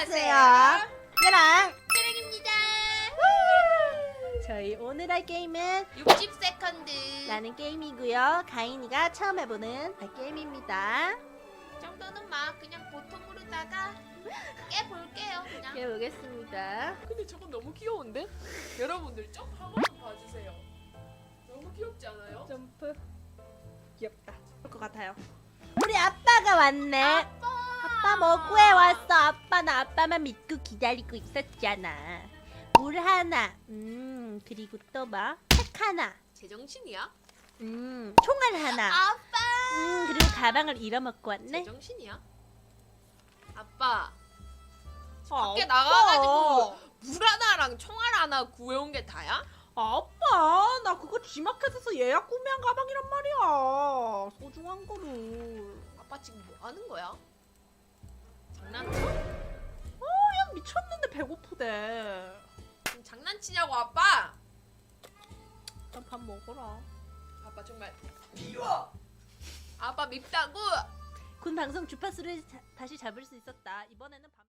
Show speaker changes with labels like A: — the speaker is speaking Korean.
A: 안녕하세요. 얘랑
B: 트랙입니다.
A: 저희 오늘 할 게임은
B: 60세컨드.
A: 라는 게임이고요. 가인이가 처음 해보는 게임입니다.
B: 정도는 막 그냥 보통으로다가 깨볼게요. 그냥.
A: 해보겠습니다.
C: 근데 저건 너무 귀여운데? 여러분들 좀 한 번만 봐주세요. 너무 귀엽지 않아요?
A: 점프 귀엽다. 그럴 것 같아요. 우리 아빠가 왔네. 아빠 뭐 구해왔어? 아빠 나 아빠만 믿고 기다리고 있었잖아. 물 하나. 그리고 또 뭐? 책 하나.
B: 제정신이야?
A: 총알 하나.
B: 아빠.
A: 그리고 가방을 잃어먹고 왔네.
B: 제정신이야? 아빠.
C: 아,
B: 밖에 나가가지고 물 하나랑 총알 하나 구해온 게 다야?
A: 아빠 나 그거 G마켓에서 예약 구매한 가방이란 말이야. 소중한 거를.
B: 아빠 지금 뭐 하는 거야? 장난쳐?
A: 그냥 미쳤는데 배고프대.
B: 지금 장난치냐고 아빠?
A: 일단 밥 먹어라.
B: 아빠 정말 미워. 아빠 밉다고.
A: 군 방송 주파수를 다시 잡을 수 있었다. 이번에는 밥